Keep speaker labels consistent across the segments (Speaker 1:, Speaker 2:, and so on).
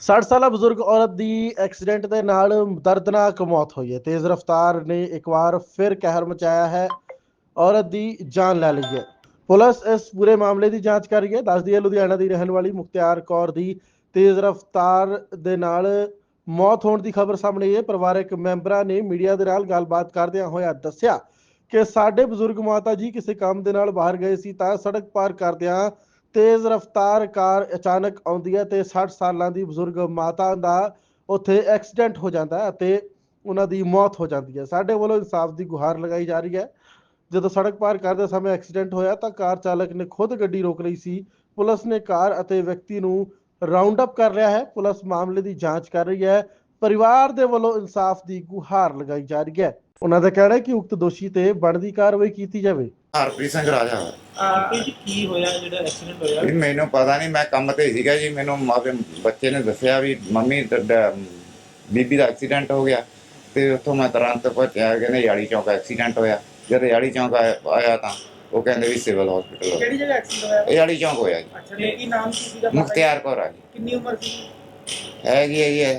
Speaker 1: 60 ਸਾਲਾ ਬਜ਼ੁਰਗ ਔਰਤ ਦੀ ਐਕਸੀਡੈਂਟ ਦੇ ਨਾਲ ਦਰਦਨਾਕ ਮੌਤ ਹੋਈ ਹੈ। ਤੇਜ਼ ਰਫ਼ਤਾਰ ਨੇ ਇੱਕ ਵਾਰ ਫਿਰ ਕਹਿਰ ਮਚਾਇਆ ਹੈ। ਔਰਤ ਦੀ ਜਾਨ ਲੈ ਲਈ ਹੈ। ਪੁਲਿਸ ਇਸ ਪੂਰੇ ਮਾਮਲੇ ਦੀ ਜਾਂਚ ਕਰ ਰਹੀ ਹੈ। ਦੱਸਦੀ ਹੈ ਲੁਧਿਆਣਾ ਦੀ ਰਹਿਣ ਵਾਲੀ ਮੁਖਤਿਆਰ ਕੌਰ ਦੀ ਤੇਜ਼ ਰਫ਼ਤਾਰ ਦੇ ਨਾਲ ਮੌਤ ਹੋਣ ਦੀ ਖਬਰ ਸਾਹਮਣੇ ਆਈ ਹੈ। ਪਰਿਵਾਰਕ ਮੈਂਬਰਾਂ ਨੇ ਮੀਡੀਆ ਦੇ ਨਾਲ ਗੱਲਬਾਤ ਕਰਦਿਆਂ ਹੋਇਆ ਦੱਸਿਆ ਕਿ ਸਾਡੇ ਬਜ਼ੁਰਗ ਮਾਤਾ ਜੀ ਕਿਸੇ ਕੰਮ ਦੇ ਨਾਲ ਬਾਹਰ ਗਏ ਸੀ ਤਾਂ ਸੜਕ ਪਾਰ ਕਰਦਿਆਂ ਤੇਜ਼ ਰਫ਼ਤਾਰ ਕਾਰ ਅਚਾਨਕ ਆਉਂਦੀ ਹੈ ਤੇ 60 ਸਾਲਾਂ ਦੀ ਬਜ਼ੁਰਗ ਮਾਤਾ ਦਾ ਉੱਥੇ ਐਕਸੀਡੈਂਟ ਹੋ ਜਾਂਦਾ ਹੈ ਅਤੇ ਉਹਨਾਂ ਦੀ ਮੌਤ ਹੋ ਜਾਂਦੀ ਹੈ। ਸਾਡੇ ਵੱਲੋਂ ਇਨਸਾਫ ਦੀ ਗੁਹਾਰ ਲਗਾਈ ਜਾ ਰਹੀ ਹੈ। ਜਦੋਂ ਸੜਕ ਪਾਰ ਕਰਦੇ ਸਮੇਂ ਐਕਸੀਡੈਂਟ ਹੋਇਆ ਤਾਂ ਕਾਰ ਚਾਲਕ ਨੇ ਖੁਦ ਗੱਡੀ ਰੋਕ ਲਈ ਸੀ। ਪੁਲਿਸ ਨੇ ਕਾਰ ਅਤੇ ਵਿਅਕਤੀ ਨੂੰ ਰਾਉਂਡ ਅਪ ਕਰ ਲਿਆ ਹੈ। ਪੁਲਿਸ ਮਾਮਲੇ ਦੀ ਜਾਂਚ ਕਰ ਰਹੀ ਹੈ। ਪਰਿਵਾਰ ਦੇ ਵੱਲੋਂ ਇਨਸਾਫ ਦੀ ਗੁਹਾਰ ਲਗਾਈ ਜਾ ਰਹੀ ਹੈ। ਉਹਨਾਂ ਦਾ ਕਹਿਣਾ ਹੈ ਕਿ ਉਕਤ ਦੋਸ਼ੀ ਤੇ ਬਣਦੀ ਕਾਰਵਾਈ ਕੀਤੀ ਜਾਵੇ।
Speaker 2: ਹਰਪ੍ਰੀਤ ਸਿੰਘ ਰਾਜਾ
Speaker 3: ਜੀ ਕੀ ਹੋਇਆ ਜਿਹੜਾ ਐਕਸੀਡੈਂਟ ਹੋਇਆ?
Speaker 2: ਜੀ ਮੈਨੂੰ ਪਤਾ ਨਹੀਂ, ਮੈਂ ਕੰਮ ਤੇ ਸੀਗਾ ਜੀ। ਮੈਨੂੰ ਮਾਪੇ ਬੱਚੇ ਨੇ ਦੱਸਿਆ ਵੀ ਮੰਮੀ ਬੀਬੀ ਦਾ ਐਕਸੀਡੈਂਟ ਹੋ ਗਿਆ ਤੇ ਉੱਥੋਂ ਮੈਂ ਤੁਰੰਤ ਪਹੁੰਚਿਆ। ਕਹਿੰਦੇ ਯਾੜੀ ਚੌਂਕ ਐਕਸੀਡੈਂਟ ਹੋਇਆ। ਜਦ ਯਾੜੀ ਚੌਂਕ ਆਇਆ ਤਾਂ ਉਹ ਕਹਿੰਦੇ ਵੀ ਸਿਵਲ ਹਸਪੀਟਲ।
Speaker 3: ਕਿਹੜੀ ਜਗ੍ਹਾ ਐਕਸੀਡੈਂਟ ਹੋਇਆ?
Speaker 2: ਯਾੜੀ ਚੌਂਕ ਹੋਇਆ ਜੀ।
Speaker 3: ਅੱਛਾ, ਤੇ ਕੀ ਨਾਮ ਸੀ ਸੀਗਾ?
Speaker 2: ਮੁਖਤਿਆਰ ਕੌਰ ਆ ਜੀ।
Speaker 3: ਕਿੰਨੀ ਉਮਰ ਸੀ?
Speaker 2: ਹੈਗੀ ਹੈ ਜੀ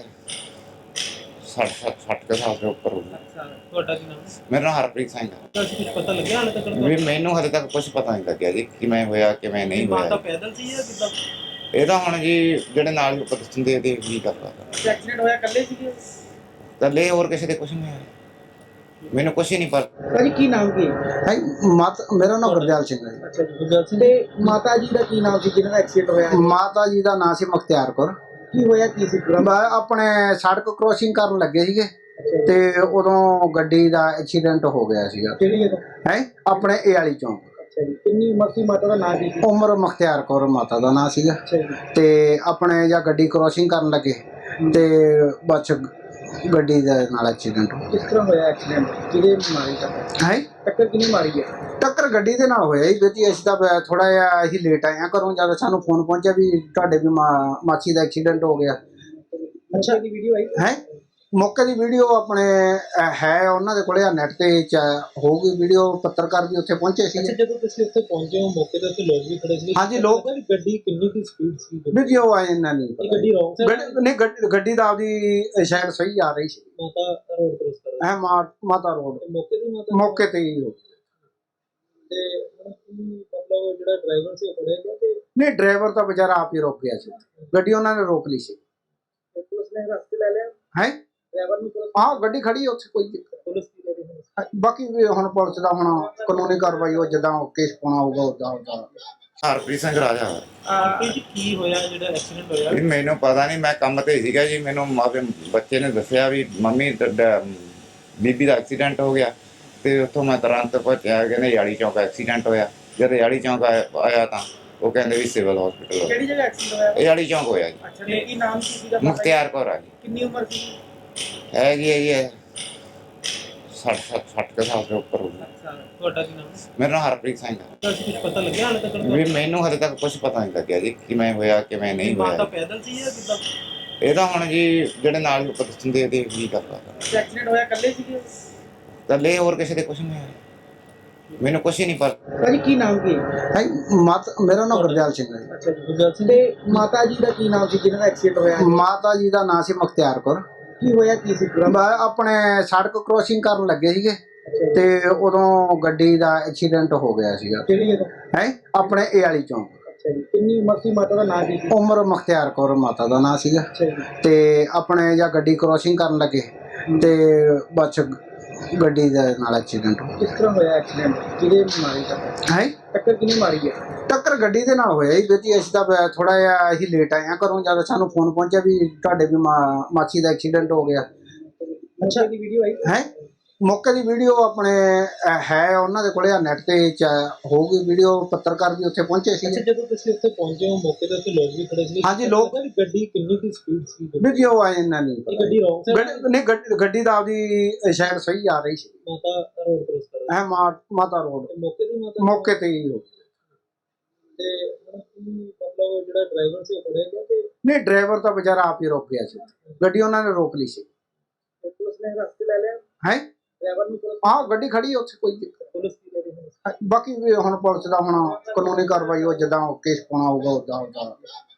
Speaker 2: 60 ਸਾਲ ਦੇ ਉੱਪਰ ਹੋਊਗੀ।
Speaker 3: ਅੱਛਾ, ਤੁਹਾਡਾ ਕੀ ਨਾਮ ਹੈ?
Speaker 2: ਮੇਰਾ ਨਾਮ ਹਰਪ੍ਰੀਤ ਸਿੰਘ ਹੈ।
Speaker 3: ਤੁਹਾਨੂੰ ਕੁਝ ਪਤਾ ਲੱਗਿਆ ਹਾਲੇ ਤੱਕ?
Speaker 2: ਵੀ ਮੈਨੂੰ ਹਲੇ ਤੱਕ ਕੁਝ ਪਤਾ ਨਹੀਂ ਲੱਗਿਆ ਜੀ ਕਿਵੇਂ ਹੋਇਆ ਕਿਵੇਂ ਨਹੀਂ
Speaker 3: ਮਾਤਾ
Speaker 2: ਹੋਇਆ।
Speaker 3: ਪੈਦਲ ਸੀ ਜਾਂ ਕਿੱਦਾਂ?
Speaker 2: ਇਹ ਤਾਂ ਹੁਣ ਜੀ ਜਿਹੜੇ ਨਾਲ ਲੋਕ ਦੱਸਦੇ ਦੇ ਕੀ ਕਰਦਾ
Speaker 3: ਐਕਸੀਡੈਂਟ ਹੋਇਆ ਇਕੱਲੇ ਸੀਗੇ?
Speaker 2: ਕੱਲੇ, ਹੋਰ ਕਿਸੇ ਦੇ ਕੁਝ ਨਹੀਂ ਹੋਇਆ। ਮੈਨੂੰ ਕੁਝ ਹੀ ਨਹੀਂ ਪਤਾ।
Speaker 3: ਭਾਜੀ ਕੀ ਨਾਮ ਕੀ ਹੈ?
Speaker 4: ਮੇਰਾ ਨਾਮ ਗੁਰਦਿਆਲ ਸਿੰਘ ਹੈ।
Speaker 3: ਅੱਛਾ ਜੀ, ਗੁਰਦਿਆਲ ਸਿੰਘ। ਤੇ ਮਾਤਾ ਜੀ ਦਾ ਕੀ ਨਾਮ ਸੀ ਜਿਹਨਾਂ ਦਾ ਐਕਸੀਡੈਂਟ ਹੋਇਆ?
Speaker 4: ਮਾਤਾ ਜੀ ਦਾ ਨਾਮ ਸੀ ਮੁਖਤਿਆਰ ਕੌਰ।
Speaker 3: ਕੀ ਹੋਇਆ ਕੀ ਸੀ?
Speaker 4: ਆਪਣੇ ਸੜਕ ਕ੍ਰੋਸਿੰਗ ਕਰਨ ਲੱਗੇ ਸੀਗੇ ਤੇ ਉਦੋਂ ਗੱਡੀ ਦਾ ਐਕਸੀਡੈਂਟ ਹੋ ਗਿਆ ਸੀਗਾ।
Speaker 3: ਕਿਹੜੀ ਜਗ੍ਹਾ?
Speaker 4: ਹੈ ਆਪਣੇ ਏ ਵਾਲੀ ਚੌਂਕ।
Speaker 3: ਅੱਛਾ ਜੀ, ਕਿੰਨੀ ਉਮਰ ਸੀ ਮਾਤਾ ਦਾ ਨਾਮ ਕੀ ਸੀ?
Speaker 4: ਉਮਰ ਮੁਖਤਿਆਰ ਕੌਰ ਮਾਤਾ ਦਾ ਨਾਮ ਸੀਗਾ।
Speaker 3: ਅੱਛਾ ਜੀ,
Speaker 4: ਤੇ ਆਪਣੇ ਜਾਂ ਗੱਡੀ ਕ੍ਰੋਸਿੰਗ ਕਰਨ ਲੱਗੇ ਤੇ ਬਸ ਗੱਡੀ ਦੇ ਨਾਲ ਐਕਸੀਡੈਂਟ ਹੋ ਗਿਆ।
Speaker 3: ਕਿਸ ਤਰ੍ਹਾਂ ਹੋਇਆ ਐਕਸੀਡੈਂਟ? ਕਿਹਦੇ ਮਾਰੀ
Speaker 4: ਹੈ
Speaker 3: ਟੱਕਰ ਕਿਹਨੇ ਮਾਰੀ ਹੈ?
Speaker 4: ਟੱਕਰ ਗੱਡੀ ਦੇ ਨਾਲ ਹੋਇਆ ਜੀ। ਜੀ ਅਸੀਂ ਤਾਂ ਥੋੜਾ ਜਿਹਾ ਅਸੀਂ ਲੇਟ ਆਏ ਹਾਂ ਘਰੋਂ। ਜਦ ਸਾਨੂੰ ਫੋਨ ਪਹੁੰਚਿਆ ਵੀ ਤੁਹਾਡੇ ਵੀ ਮਾਚੀ ਦਾ ਐਕਸੀਡੈਂਟ ਹੋ ਗਿਆ।
Speaker 3: ਅੱਛਾ, ਦੀ ਵੀਡੀਓ ਆਈ
Speaker 4: ਹੈ ਮੌਕੇ ਦੀ ਵੀਡੀਓ ਆਪਣੇ ਹੈ ਉਹਨਾਂ ਦੇ ਕੋਲੇ, ਨੈਟ ਤੇ ਹੋਊਗੀ ਵੀਡੀਓ। ਪੱਤਰਕਾਰ ਵੀ ਉੱਥੇ ਪਹੁੰਚੇ ਸੀ।
Speaker 3: ਅੱਛਾ, ਜਦੋਂ ਤੁਸੀਂ ਉੱਥੇ ਪਹੁੰਚੇ ਹੋ ਮੌਕੇ ਤੇ ਉੱਥੇ ਲੋਕ ਵੀ ਖੜੇ ਸੀ?
Speaker 4: ਹਾਂਜੀ, ਲੋਕ।
Speaker 3: ਗੱਡੀ ਕਿੰਨੀ ਕੀ ਸਪੀਡ ਸੀ?
Speaker 4: ਵੀਡੀਓ ਆਏ ਇਹਨਾਂ ਨਹੀਂ ਪਤਾ।
Speaker 3: ਗੱਡੀ ਰੌਂਗ ਸਾਈਡ?
Speaker 4: ਨਹੀਂ, ਗੱਡੀ ਦਾ ਆਪਦੀ ਸ਼ਾਇਦ ਸਹੀ ਆ ਰਹੀ ਸੀ।
Speaker 3: ਮਾਤਾ ਰੋਡ ਕ੍ਰੋਸ ਕਰ ਰਹੀ
Speaker 4: ਮਾਤਾ ਰੋਡ
Speaker 3: ਸੀ ਮੌਕੇ ਤੇ?
Speaker 4: ਮੌਕੇ ਤੇ ਹੀ ਹੋ।
Speaker 3: ਤੇ ਹੁਣ ਕੀ ਮਤਲਬ ਜਿਹੜਾ ਡਰਾਈਵਰ ਸੀ ਉਹ ਫੜਿਆ ਗਿਆ ਕਿ
Speaker 4: ਨਹੀਂ, ਡਰਾਈਵਰ ਤਾਂ ਵਿਚਾਰਾ ਆਪ ਹੀ ਰੁਕ ਗਿਆ ਸੀ। ਗੱਡੀ ਉਹਨਾਂ ਨੇ ਰੋਕ ਲਈ ਸੀ।
Speaker 3: ਪੁਲਿਸ ਨੇ ਰਸਤੇ ਲੈ ਲਿਆ?
Speaker 4: ਹੈ
Speaker 3: ਡਰਾਈਵਰ ਨੂੰ ਪੁਲਿਸ?
Speaker 4: ਆਹ ਗੱਡੀ ਖੜੀ ਉੱਥੇ, ਕੋਈ ਦਿੱਕਤ।
Speaker 3: ਪੁਲਿਸ ਕੀ ਲੈ ਰਹੀ ਹੈ?
Speaker 4: ਬਾਕੀ ਵੀ ਹੁਣ ਪੁਲਿਸ ਦਾ ਹੁਣ ਕਾਨੂੰਨੀ ਕਾਰਵਾਈ ਉਹ ਜਿੱਦਾਂ ਕੇਸ ਪਾਉਣਾ ਹੋਊਗਾ ਉਦਾਂ।
Speaker 2: ਹਰਪ੍ਰੀਤ ਸਿੰਘ ਰਾਜਾ
Speaker 3: ਜੀ ਕੀ ਹੋਇਆ ਜਿਹੜਾ ਐਕਸੀਡੈਂਟ ਹੋਇਆ?
Speaker 2: ਜੀ ਮੈਨੂੰ ਪਤਾ ਨਹੀਂ, ਮੈਂ ਕੰਮ ਤੇ ਸੀਗਾ ਜੀ। ਮੈਨੂੰ ਮਾਪੇ ਬੱਚੇ ਨੇ ਦੱਸਿਆ ਵੀ ਮੰਮੀ ਬੀਬੀ ਦਾ ਐਕਸੀਡੈਂਟ ਹੋ ਗਿਆ ਤੇ ਉੱਥੋਂ ਮੈਂ ਤੁਰੰਤ ਪਹੁੰਚਿਆ। ਕਹਿੰਦੇ ਯਾੜੀ ਚੌਂਕ ਐਕਸੀਡੈਂਟ ਹੋਇਆ। ਜਦ ਯਾੜੀ ਚੌਂਕ ਆਇਆ ਤਾਂ ਉਹ ਕਹਿੰਦੇ ਵੀ ਸਿਵਲ ਹਸਪੀਟਲ।
Speaker 3: ਕਿਹੜੀ ਜਗ੍ਹਾ ਐਕਸੀਡੈਂਟ ਹੋਇਆ?
Speaker 2: ਯਾੜੀ ਚੌਂਕ ਹੋਇਆ ਜੀ।
Speaker 3: ਅੱਛਾ, ਤੇ ਕੀ ਨਾਮ ਸੀ ਸੀਗਾ?
Speaker 2: ਮੁਖਤਿਆਰ ਕੌਰ ਆ ਜੀ।
Speaker 3: ਕਿੰਨੀ ਉਮਰ ਸੀ?
Speaker 2: ਹੈਗੀ ਹੈ ਜੀ 60 ਸਾਲ ਦੇ ਉੱਪਰ ਹੋਊਗੀ।
Speaker 3: ਅੱਛਾ, ਤੁਹਾਡਾ ਕੀ ਨਾਮ ਹੈ?
Speaker 2: ਮੇਰਾ ਨਾਮ ਹਰਪ੍ਰੀਤ ਸਿੰਘ ਹੈ।
Speaker 3: ਤੁਹਾਨੂੰ ਕੁਝ ਪਤਾ ਲੱਗਿਆ ਹਾਲੇ ਤੱਕ?
Speaker 2: ਵੀ ਮੈਨੂੰ ਹਲੇ ਤੱਕ ਕੁਝ ਪਤਾ ਨਹੀਂ ਲੱਗਿਆ ਜੀ ਕਿਵੇਂ ਹੋਇਆ ਕਿਵੇਂ ਨਹੀਂ
Speaker 3: ਮਾਤਾ
Speaker 2: ਹੋਇਆ।
Speaker 3: ਪੈਦਲ ਸੀ ਜਾਂ ਕਿੱਦਾਂ?
Speaker 2: ਇਹ ਤਾਂ ਹੁਣ ਜੀ ਜਿਹੜੇ ਨਾਲ ਲੋਕ ਦੱਸਦੇ ਦੇ ਕੀ ਕਰਦਾ
Speaker 3: ਐਕਸੀਡੈਂਟ ਹੋਇਆ ਇਕੱਲੇ ਸੀਗੇ?
Speaker 2: ਕੱਲੇ, ਹੋਰ ਕਿਸੇ ਦੇ ਕੁਝ ਨਹੀਂ ਹੋਇਆ। ਮੈਨੂੰ ਕੁਝ ਹੀ ਨਹੀਂ ਪਤਾ।
Speaker 3: ਭਾਜੀ ਕੀ ਨਾਮ ਕੀ ਹੈ?
Speaker 4: ਮੇਰਾ ਨਾਮ ਗੁਰਦਿਆਲ ਸਿੰਘ ਹੈ।
Speaker 3: ਅੱਛਾ ਜੀ, ਗੁਰਦਿਆਲ ਸਿੰਘ। ਤੇ ਮਾਤਾ ਜੀ ਦਾ ਕੀ ਨਾਮ ਸੀ ਜਿਹਨਾਂ ਦਾ ਐਕਸੀਡੈਂਟ ਹੋਇਆ?
Speaker 4: ਮਾਤਾ ਜੀ ਦਾ ਨਾਮ ਸੀ ਮੁਖਤਿਆਰ ਕੌਰ।
Speaker 3: ਕੀ ਹੋਇਆ ਕੀ ਸੀ?
Speaker 4: ਆਪਣੇ ਸੜਕ ਕ੍ਰੋਸਿੰਗ ਕਰਨ ਲੱਗੇ ਸੀਗੇ ਤੇ ਉਦੋਂ ਗੱਡੀ ਦਾ ਐਕਸੀਡੈਂਟ ਹੋ ਗਿਆ ਸੀਗਾ।
Speaker 3: ਕਿਹੜੀ ਜਗ੍ਹਾ?
Speaker 4: ਹੈ ਆਪਣੇ ਏ ਵਾਲੀ ਚੌਂਕ।
Speaker 3: ਅੱਛਾ ਜੀ, ਕਿੰਨੀ ਉਮਰ ਸੀ ਮਾਤਾ ਦਾ ਨਾਮ ਕੀ ਸੀ?
Speaker 4: ਉਮਰ ਮੁਖਤਿਆਰ ਕੌਰ ਮਾਤਾ ਦਾ ਨਾਮ ਸੀਗਾ।
Speaker 3: ਅੱਛਾ ਜੀ,
Speaker 4: ਤੇ ਆਪਣੇ ਜਾਂ ਗੱਡੀ ਕ੍ਰੋਸਿੰਗ ਕਰਨ ਲੱਗੇ ਤੇ ਬਸ ਗੱਡੀ ਦੇ ਨਾਲ ਐਕਸੀਡੈਂਟ ਹੋ
Speaker 3: ਕਿਸ ਤਰ੍ਹਾਂ ਹੋਇਆ ਐਕਸੀਡੈਂਟ? ਕਿਹਦੇ ਮਾਰੀ
Speaker 4: ਗਿਆ। ਹੈ
Speaker 3: ਟੱਕਰ ਕਿਹਨੇ ਮਾਰੀ ਹੈ?
Speaker 4: ਟੱਕਰ ਗੱਡੀ ਦੇ ਨਾਲ ਹੋਇਆ ਜੀ। ਅਸੀਂ ਤਾਂ ਥੋੜਾ ਜਿਹਾ ਅਸੀਂ ਲੇਟ ਆਏ ਹਾਂ ਘਰੋਂ। ਜਦ ਸਾਨੂੰ ਫੋਨ ਪਹੁੰਚਿਆ ਵੀ ਤੁਹਾਡੇ ਵੀ ਮਾਚੀ ਦਾ ਐਕਸੀਡੈਂਟ ਹੋ ਗਿਆ।
Speaker 3: ਅੱਛਾ, ਦੀ ਵੀਡੀਓ ਆਈ
Speaker 4: ਹੈ ਮੌਕੇ ਦੀ ਵੀਡੀਓ ਆਪਣੇ ਹੈ ਉਹਨਾਂ ਦੇ ਕੋਲੇ, ਨੈਟ ਤੇ ਹੋਊਗੀ ਵੀਡੀਓ। ਪੱਤਰਕਾਰ ਵੀ ਉੱਥੇ ਪਹੁੰਚੇ ਸੀ।
Speaker 3: ਅੱਛਾ, ਜਦੋਂ ਤੁਸੀਂ ਉੱਥੇ ਪਹੁੰਚੇ ਹੋ ਮੌਕੇ ਤੇ ਉੱਥੇ ਲੋਕ ਵੀ ਖੜੇ ਸੀ?
Speaker 4: ਹਾਂਜੀ, ਲੋਕ।
Speaker 3: ਗੱਡੀ ਕਿੰਨੀ ਕੀ ਸਪੀਡ ਸੀ?
Speaker 4: ਵੀਡੀਓ ਆਏ ਇਹਨਾਂ ਨਹੀਂ ਪਤਾ।
Speaker 3: ਗੱਡੀ ਰੌਂਗ ਸਾਈਡ?
Speaker 4: ਨਹੀਂ, ਗੱਡੀ ਦਾ ਆਪਦੀ ਸ਼ਾਇਦ ਸਹੀ ਆ ਰਹੀ ਸੀ।
Speaker 3: ਮਾਤਾ ਰੋਡ ਕ੍ਰੋਸ ਕਰ ਰਹੀ
Speaker 4: ਮਾਤਾ ਰੋਡ
Speaker 3: ਸੀ ਮੌਕੇ ਤੇ?
Speaker 4: ਮੌਕੇ ਤੇ ਹੀ ਹੋ।
Speaker 3: ਤੇ ਹੁਣ ਕੀ ਮਤਲਬ ਜਿਹੜਾ ਡਰਾਈਵਰ ਸੀ ਉਹ ਫੜਿਆ ਗਿਆ ਕਿ
Speaker 4: ਨਹੀਂ, ਡਰਾਈਵਰ ਤਾਂ ਵਿਚਾਰਾ ਆਪ ਹੀ ਰੁਕ ਗਿਆ ਸੀ। ਗੱਡੀ ਉਹਨਾਂ ਨੇ ਰੋਕ ਲਈ ਸੀ।
Speaker 3: ਪੁਲਿਸ ਨੇ ਰਸਤੇ ਲੈ ਲਿਆ?
Speaker 4: ਹੈ
Speaker 3: ਡਰਾਈਵਰ ਨੂੰ ਪੁਲਿਸ?
Speaker 4: ਆਹ ਗੱਡੀ ਖੜੀ ਉੱਥੇ, ਕੋਈ ਦਿੱਕਤ।
Speaker 3: ਪੁਲਿਸ ਕੀ ਲੈ ਰਹੀ ਹੈ?
Speaker 4: ਬਾਕੀ ਵੀ ਹੁਣ ਪੁਲਿਸ ਦਾ ਹੁਣ ਕਾਨੂੰਨੀ ਕਾਰਵਾਈ ਉਹ ਜਿੱਦਾਂ ਕੇਸ ਪਾਉਣਾ ਹੋਊਗਾ ਉਦਾਂ।